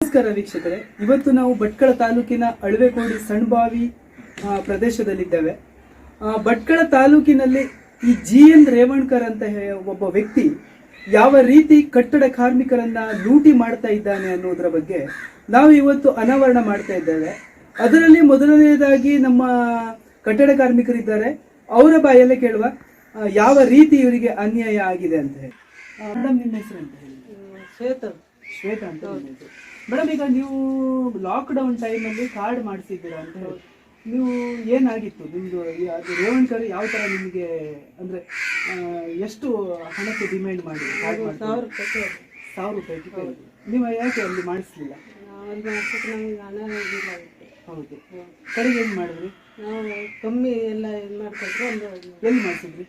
ನಮಸ್ಕಾರ ವೀಕ್ಷಕರೇ, ಇವತ್ತು ನಾವು ಭಟ್ಕಳ ತಾಲೂಕಿನ ಅಳವೆಕೋಡಿ ಸಣ್ಬಾವಿ ಪ್ರದೇಶದಲ್ಲಿದ್ದೇವೆ. ಭಟ್ಕಳ ತಾಲೂಕಿನಲ್ಲಿ ಈ GN ರೇವಣ್ಕರ್ ಅಂತ ಒಬ್ಬ ವ್ಯಕ್ತಿ ಯಾವ ರೀತಿ ಕಟ್ಟಡ ಕಾರ್ಮಿಕರನ್ನ ಲೂಟಿ ಮಾಡ್ತಾ ಇದ್ದಾನೆ ಅನ್ನೋದರ ಬಗ್ಗೆ ನಾವು ಇವತ್ತು ಅನಾವರಣ ಮಾಡ್ತಾ ಇದ್ದೇವೆ. ಅದರಲ್ಲಿ ಮೊದಲನೆಯದಾಗಿ ನಮ್ಮ ಕಟ್ಟಡ ಕಾರ್ಮಿಕರಿದ್ದಾರೆ, ಅವರ ಬಾಯಲ್ಲೇ ಕೇಳುವ ಯಾವ ರೀತಿ ಇವರಿಗೆ ಅನ್ಯಾಯ ಆಗಿದೆ ಅಂತ ಹೇಳಿ. ಮೇಡಮ್, ನಿಮ್ಮ ಹೆಸರು ಅಂತ ಹೇಳಿ? ಶ್ವೇತಾ ಅಂತ. ಮೇಡಮ್, ಈಗ ನೀವು ಲಾಕ್ಡೌನ್ ಟೈಮಲ್ಲಿ ಕಾರ್ಡ್ ಮಾಡಿಸಿದ್ದೀರಾ ಅಂತ ಹೇಳಿ, ನೀವು ಏನಾಗಿತ್ತು ನಿಮ್ದು? ಅದು ರೇವಣ್ಕರ್ ಯಾವ ತರ ನಿಮಗೆ ಅಂದ್ರೆ ಎಷ್ಟು ಹಣಕ್ಕೆ ಡಿಮ್ಯಾಂಡ್ ಮಾಡಿ ಕಾರ್ಡ್ ಮಾಡಿ? 1000 ರೂಪಾಯಿ. ನೀವು ಯಾಕೆ ಅಲ್ಲಿ ಮಾಡಿಸ್ಲಿಲ್ಲ? ಹೌದು. ಕಡೆಗೆ ಏನು ಮಾಡಿದ್ರಿ? ನಾವು ಕಮ್ಮಿ ಎಲ್ಲ ಇದು ಮಾಡ್ಕೊಟ್ರು. ಎಲ್ಲಿ ಮಾಡಿಸಿದ್ರಿ?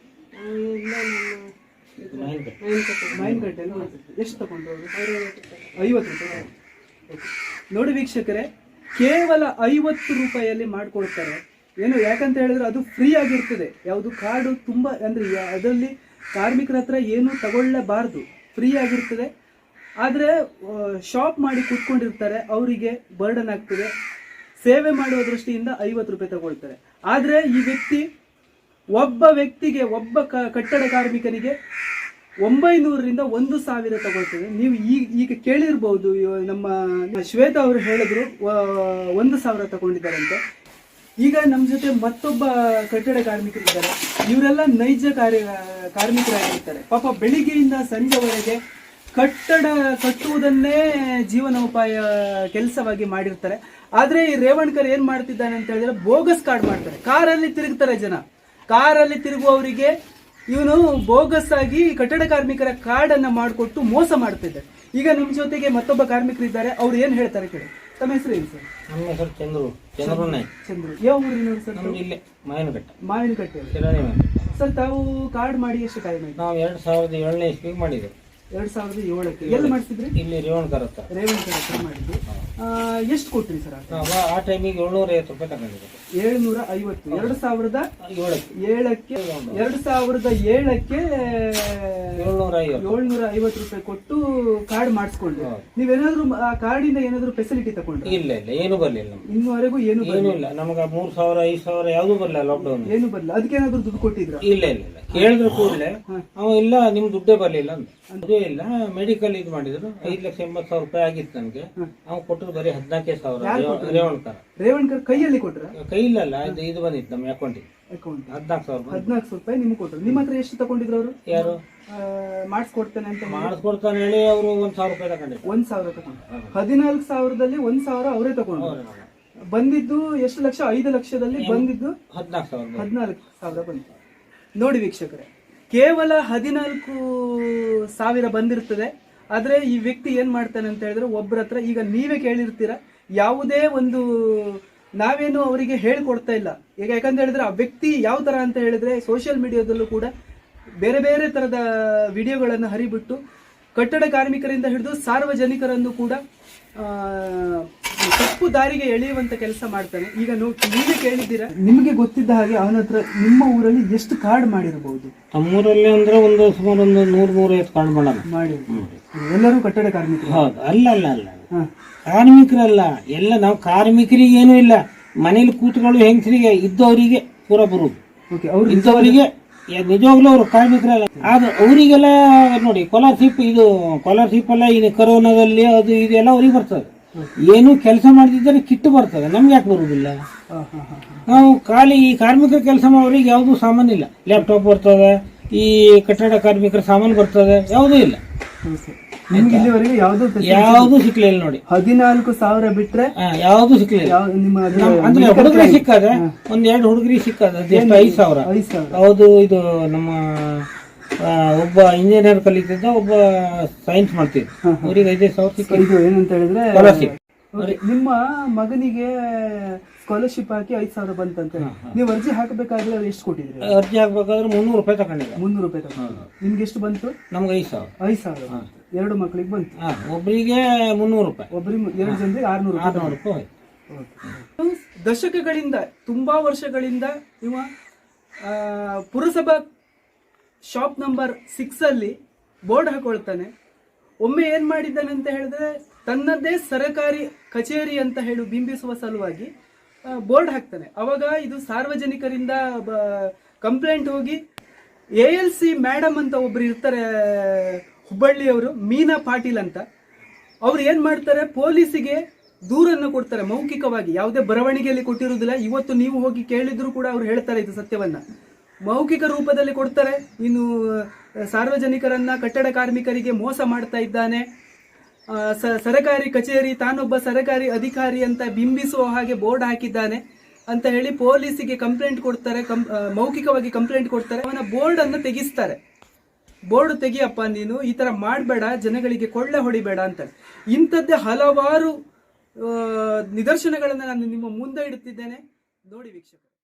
ಮೈನ್ಕಟ್ಟೆಯಲ್ಲಿ ಮಾಡಿಸಿದ್ರಿ. ಎಷ್ಟು ತಗೊಂಡ್ರು ಅವರು? 50 ರೂಪಾಯಿ. ನೋಡಿ ವೀಕ್ಷಕರೇ, ಕೇವಲ 50 ರೂಪಾಯಿಯಲ್ಲಿ ಮಾಡ್ಕೊಡ್ತಾರೆ. ಏನು ಯಾಕಂತ ಹೇಳಿದ್ರೆ ಅದು ಫ್ರೀ ಆಗಿರ್ತದೆ. ಯಾವುದು ಕಾರ್ಡು ತುಂಬಾ ಅಂದ್ರೆ ಅದರಲ್ಲಿ ಕಾರ್ಮಿಕರ ಹತ್ರ ಏನು ತಗೊಳ್ಳಬಾರ್ದು, ಫ್ರೀ ಆಗಿರ್ತದೆ. ಆದರೆ ಶಾಪ್ ಮಾಡಿ ಕೂತ್ಕೊಂಡಿರ್ತಾರೆ, ಅವರಿಗೆ ಬರ್ಡನ್ ಆಗ್ತದೆ. ಸೇವೆ ಮಾಡುವ ದೃಷ್ಟಿಯಿಂದ 50 ರೂಪಾಯಿ ತಗೊಳ್ತಾರೆ. ಆದರೆ ಈ ವ್ಯಕ್ತಿ ಒಬ್ಬ ಕಟ್ಟಡ ಕಾರ್ಮಿಕನಿಗೆ 900ರಿಂದ 1000 ತಗೊಳ್ತದೆ. ನೀವು ಈಗ ಕೇಳಿರ್ಬಹುದು, ನಮ್ಮ ಶ್ವೇತಾ ಅವರು ಹೇಳಿದ್ರು 1000 ತಗೊಂಡಿದ್ದಾರಂತೆ. ಈಗ ನಮ್ಮ ಜೊತೆ ಮತ್ತೊಬ್ಬ ಕಟ್ಟಡ ಕಾರ್ಮಿಕರಿದ್ದಾರೆ. ಇವರೆಲ್ಲ ನೈಜ ಕಾರ್ಮಿಕರಾಗಿರ್ತಾರೆ. ಪಾಪ ಬೆಳಿಗ್ಗೆಯಿಂದ ಸಂಜೆವರೆಗೆ ಕಟ್ಟಡ ಕಟ್ಟುವುದನ್ನೇ ಜೀವನೋಪಾಯ ಕೆಲಸವಾಗಿ ಮಾಡಿರ್ತಾರೆ. ಆದ್ರೆ ಈ ರೇವಣ್ಕರ್ ಏನ್ ಮಾಡ್ತಿದ್ದಾನೆ ಅಂತ ಹೇಳಿದ್ರೆ ಬೋಗಸ್ ಕಾರ್ಡ್ ಮಾಡ್ತಾರೆ. ಕಾರಲ್ಲಿ ತಿರುಗ್ತಾರೆ ಜನ. ಕಾರಲ್ಲಿ ತಿರುಗುವವರಿಗೆ ಇವನು ಬೋಗಸ್ ಆಗಿ ಕಟ್ಟಡ ಕಾರ್ಮಿಕರ ಕಾರ್ಡ್ ಅನ್ನ ಮಾಡಿಕೊಟ್ಟು ಮೋಸ ಮಾಡ್ತಿದ್ದಾರೆ. ಈಗ ನಮ್ಮ ಜೊತೆಗೆ ಮತ್ತೊಬ್ಬ ಕಾರ್ಮಿಕರಿದ್ದಾರೆ, ಅವ್ರು ಏನ್ ಹೇಳ್ತಾರೆ ಕೇಳಿ. ತಮ್ಮ ಹೆಸರು ಏನು ಸರ್? ನಮ್ಮ ಹೆಸರು ಚಂದ್ರು. ಯಾವ ಊರಿನವರು ಸರ್? ಇಲ್ಲೇ ಮಾವಿನಕಟ್ಟೆ. ಸರ್, ತಾವು ಕಾರ್ಡ್ ಮಾಡಿ ಎಷ್ಟು ಟೈಮ್ ಆಯ್ತು? ನಾವು 2007ನೇ ಇಸ್ವಿಗೆ ಮಾಡಿದ್ವಿ. 2007ಕ್ಕೆ ಎಲ್ಲಿ ಮಾಡಿಸಿದ್ರಿ? ಇಲ್ಲಿ ರೇವಣ್ಕರ್ ಹತ್ರ ಮಾಡಿದ್ವಿ. ಎಷ್ಟು ಕೊಟ್ರಿ ಸರ್? ಆ ಟೈಮಿಗೆ 750 ರೂಪಾಯಿ ತಗೊಂಡಿದ್ದೆ. 750. 2007ಕ್ಕೆ 750 ರೂಪಾಯಿ ಕೊಟ್ಟು ಕಾರ್ಡ್ ಮಾಡಿಸ್ಕೊಂಡ್ರಿ. ನೀವೇನಾದ್ರು ಆ ಕಾರ್ಡಿಂದ ಏನಾದ್ರು ಫೆಸಿಲಿಟಿ ತಗೊಂಡ್ರಿ? ಇಲ್ಲ, ಏನು ಬರ್ಲಿಲ್ಲ. ಇನ್ನುವರೆಗೂ ಏನು ಇಲ್ಲ. ನಮ್ಗೆ 3000 5000 ಯಾವ್ದು ಬರ್ಲಿಲ್ಲ. ಲಾಕ್ಡೌನ್ ಏನು ಬರ್ಲಿಲ್ಲ. ಅದಕ್ಕೆ ಏನಾದ್ರು ದುಡ್ಡು ಕೊಟ್ಟಿದ್ರ? ಇಲ್ಲ. ಕೇಳಿದ್ರು ಕೂಡಲೇ ಅವ ಇಲ್ಲ, ನಿಮ್ ದುಡ್ಡೇ ಬರ್ಲಿಲ್ಲ ಅಂತ. ಅದೇ ಇಲ್ಲ, ಮೆಡಿಕಲ್ ಇದು ಮಾಡಿದ್ರು. 5,80,000 ರೂಪಾಯಿ ಆಗಿತ್ತು ನನ್ಗೆ. ಅವ್ನು ಕೊಟ್ಟರು ಬರೀ 14,000. ರೇವಣ್ಕರ್ ಕೈಯಲ್ಲಿ ಕೊಟ್ರ? ಕೈಯಿಲ್ಲ, ಇದು ಬಂದಿತ್ತು ನಮ್ಮ ಅಕೌಂಟಿಗೆ. 14,000 ರೂಪಾಯಿ ನಿಮ್ಗೆ ಕೊಟ್ಟರು. ನಿಮ್ಮ ಹತ್ರ ಎಷ್ಟು ತಗೊಂಡಿದ್ರು ಅವರು? ಯಾರು ಮಾಡಿಸ್ಕೊಡ್ತಾನೆ ಅಂತ ಮಾಡಿಸ್ಕೊಡ್ತಾನೆ ಹೇಳಿ ಅವರು 1,000 ರೂಪಾಯಿ ತಗೊಂಡಿದ್ರು. 1,000 ತಗೊಂಡು 14,000ದಲ್ಲಿ 1,000 ಅವರೇ ತಗೊಂಡು ಬಂದಿದ್ದು ಎಷ್ಟು ಲಕ್ಷ? 5 ಲಕ್ಷದಲ್ಲಿ ಬಂದಿದ್ದು 14,000 ಬಂತು. ನೋಡಿ ವೀಕ್ಷಕರೇ, ಕೇವಲ 14,000 ಬಂದಿರ್ತದೆ. ಆದ್ರೆ ಈ ವ್ಯಕ್ತಿ ಏನ್ ಮಾಡ್ತಾನೆ ಅಂತ ಹೇಳಿದ್ರೆ ಒಬ್ಬರ ಹತ್ರ, ಈಗ ನೀವೇ ಕೇಳಿರ್ತೀರ, ಯಾವುದೇ ಒಂದು ನಾವೇನು ಅವರಿಗೆ ಹೇಳ್ಕೊಡ್ತಾ ಇಲ್ಲ. ಈಗ ಯಾಕಂತ ಹೇಳಿದ್ರೆ ಆ ವ್ಯಕ್ತಿ ಯಾವ ತರ ಅಂತ ಹೇಳಿದ್ರೆ ಸೋಷಿಯಲ್ ಮೀಡಿಯಾದಲ್ಲೂ ಕೂಡ ಬೇರೆ ಬೇರೆ ತರದ ವಿಡಿಯೋಗಳನ್ನು ಹರಿಬಿಟ್ಟು ಕಟ್ಟಡ ಕಾರ್ಮಿಕರಿಂದ ಹಿಡಿದು ಸಾರ್ವಜನಿಕರನ್ನು ಕೂಡ ತಪ್ಪು ದಾರಿಗೆ ಎಳೆಯುವಂತ ಕೆಲಸ ಮಾಡ್ತಾನೆ. ಈಗ ನೀವೇ ಕೇಳಿದ್ದೀರಾ, ನಿಮಗೆ ಗೊತ್ತಿದ್ದ ಹಾಗೆ ಅವನ ಹತ್ರ ನಿಮ್ಮ ಊರಲ್ಲಿ ಎಷ್ಟು ಕಾರ್ಡ್ ಮಾಡಿರಬಹುದು? ನಮ್ಮೂರಲ್ಲಿ ಅಂದ್ರೆ ಸುಮಾರು 100-150 ಕಾರ್ಡ್ ಮಾಡಿ. ಎಲ್ಲರೂ ಕಟ್ಟಡ ಕಾರ್ಮಿಕರು? ಹೌದು. ಅಲ್ಲ, ಕಾರ್ಮಿಕರಲ್ಲ, ಎಲ್ಲ ನಾವು ಕಾರ್ಮಿಕರಿಗೆ ಏನೂ ಇಲ್ಲ. ಮನೇಲಿ ಕೂತ್ಗಳು ಹೆಂಗಸರಿಗೆ ಇದ್ದವರಿಗೆ ಪೂರ ಬರುದು. ಇದ್ದವರಿಗೆ ನಿಜವಾಗ್ಲೂ ಅವರು ಕಾರ್ಮಿಕರಲ್ಲ. ಆದ್ರೆ ಅವರಿಗೆಲ್ಲ ನೋಡಿ ಸ್ಕಾಲರ್ಶಿಪ್ ಎಲ್ಲ ಇದು ಕೊರೋನಾದಲ್ಲಿ ಅದು ಇದೆಲ್ಲ ಅವ್ರಿಗೆ ಬರ್ತದೆ. ಏನು ಕೆಲಸ ಮಾಡ್ತಿದ್ದಾರೆ ಕಿಟ್ಟು ಬರ್ತದೆ, ನಮ್ಗೆ ಯಾಕೆ ಬರುವುದಿಲ್ಲ? ನಾವು ಖಾಲಿ ಈ ಕಾರ್ಮಿಕರ ಕೆಲಸ ಮಾಡೋರಿಗೆ ಯಾವ್ದು ಸಾಮಾನು ಇಲ್ಲ. ಲ್ಯಾಪ್ಟಾಪ್ ಬರ್ತದೆ, ಈ ಕಟ್ಟಡ ಕಾರ್ಮಿಕರ ಸಾಮಾನು ಬರ್ತದೆ, ಯಾವುದೂ ಇಲ್ಲ. ಯಾವ್ದು ಸಿಕ್ಲಿಲ್ಲ ನೋಡಿ. 14,000 ಬಿಟ್ರೆ ಯಾವ್ದು ಸಿಕ್ಲಿಲ್ಲ. ಅಂದ್ರೆ ಹುಡುಗರಿಗೆ ಸಿಕ್ಕದೆ, 1-2 ಹುಡುಗರಿಗೆ ಸಿಕ್ಕದ 5,000. ಹೌದು. ಇದು ನಮ್ಮ ಒಬ್ಬ ಇಂಜಿನಿಯರ್ ಕಲಿತಿದ್ದ, ಒಬ್ಬ ಸೈನ್ಸ್ ಮಾಡ್ತಿದ್ದ, ಅವ್ರಿಗೆ 5,000 ಸಿಕ್ಕಿದ್ದು. ಏನಂತ ಹೇಳಿದ್ರೆ ನಿಮ್ಮ ಮಗನಿಗೆ ಸ್ಕಾಲರ್ಶಿಪ್ ಹಾಕಿ 5,000 ಬಂತಂತ. ನೀವು ಅರ್ಜಿ ಹಾಕಬೇಕಾದ್ರೆ ಎಷ್ಟು ಕೊಟ್ಟಿದ್ರಿ? ಅರ್ಜಿ ಹಾಕಬೇಕಾದ್ರೆ 300 ರೂಪಾಯಿ ತಗೊಂಡಿದ್ದೆ. 300 ರೂಪಾಯಿ ತಗೊಂಡು ನಿಮ್ಗೆ ಎಷ್ಟು ಬಂತು? ನಮ್ಗೆ 5,000. 2 ಮಕ್ಕಳಿಗೆ ಬಂತು. ಒಬ್ಬರಿಗೆ 300 ರೂಪಾಯಿ, ಒಬ್ಬರಿಗೆ 2 ಜನರಿಗೆ 600 ರೂಪಾಯಿ. ದಶಕಗಳಿಂದ, ತುಂಬಾ ವರ್ಷಗಳಿಂದ ಇವ ಪುರಸಭಾ ಶಾಪ್ ನಂಬರ್ 6 ಅಲ್ಲಿ ಬೋರ್ಡ್ ಹಾಕೊಳ್ತಾನೆ. ಒಮ್ಮೆ ಏನ್ ಮಾಡಿದ್ದಾನೆ ಅಂತ ಹೇಳಿದ್ರೆ ತನ್ನದೇ ಸರಕಾರಿ ಕಚೇರಿ ಅಂತ ಹೇಳಿ ಬಿಂಬಿಸುವ ಸಲುವಾಗಿ ಬೋರ್ಡ್ ಹಾಕ್ತಾನೆ. ಅವಾಗ ಇದು ಸಾರ್ವಜನಿಕರಿಂದ ಕಂಪ್ಲೇಂಟ್ ಹೋಗಿ ALC ಮೇಡಮ್ ಅಂತ ಒಬ್ರು ಇರ್ತಾರೆ ಹುಬ್ಬಳ್ಳಿಯವರು, ಮೀನಾ ಪಾಟೀಲ್ ಅಂತ. ಅವ್ರು ಏನ್ ಮಾಡ್ತಾರೆ, ಪೊಲೀಸಿಗೆ ದೂರನ್ನು ಕೊಡ್ತಾರೆ ಮೌಖಿಕವಾಗಿ, ಯಾವುದೇ ಬರವಣಿಗೆಯಲ್ಲಿ ಕೊಟ್ಟಿರುವುದಿಲ್ಲ. ಇವತ್ತು ನೀವು ಹೋಗಿ ಕೇಳಿದ್ರು ಕೂಡ ಅವ್ರು ಹೇಳ್ತಾರೆ ಇದು ಸತ್ಯವನ್ನ, ಮೌಖಿಕ ರೂಪದಲ್ಲಿ ಕೊಡ್ತಾರೆ. ಇನ್ನು ಸಾರ್ವಜನಿಕರನ್ನ, ಕಟ್ಟಡ ಕಾರ್ಮಿಕರಿಗೆ ಮೋಸ ಮಾಡ್ತಾ ಇದ್ದಾನೆ, ಸರಕಾರಿ ಕಚೇರಿ, ತಾನೊಬ್ಬ ಸರಕಾರಿ ಅಧಿಕಾರಿ ಅಂತ ಬಿಂಬಿಸುವ ಹಾಗೆ ಬೋರ್ಡ್ ಹಾಕಿದ್ದಾನೆ ಅಂತ ಹೇಳಿ ಪೊಲೀಸಿಗೆ ಕಂಪ್ಲೇಂಟ್ ಕೊಡ್ತಾರೆ. ಮೌಖಿಕವಾಗಿ ಕಂಪ್ಲೇಂಟ್ ಕೊಡ್ತಾರೆ. ಅವನ ಬೋರ್ಡ್ ಅನ್ನು ತೆಗಿಸ್ತಾರೆ. ಬೋರ್ಡ್ ತೆಗಿಯಪ್ಪ, ನೀನು ಈ ತರ ಮಾಡಬೇಡ, ಜನಗಳಿಗೆ ಕೊಳ್ಳೆ ಹೊಡಿಬೇಡ ಅಂತ. ಇಂಥದ್ದೇ ಹಲವಾರು ನಿದರ್ಶನಗಳನ್ನು ನಾನು ನಿಮ್ಮ ಮುಂದೆ ಇಡುತ್ತಿದ್ದೇನೆ, ನೋಡಿ ವೀಕ್ಷಕರು.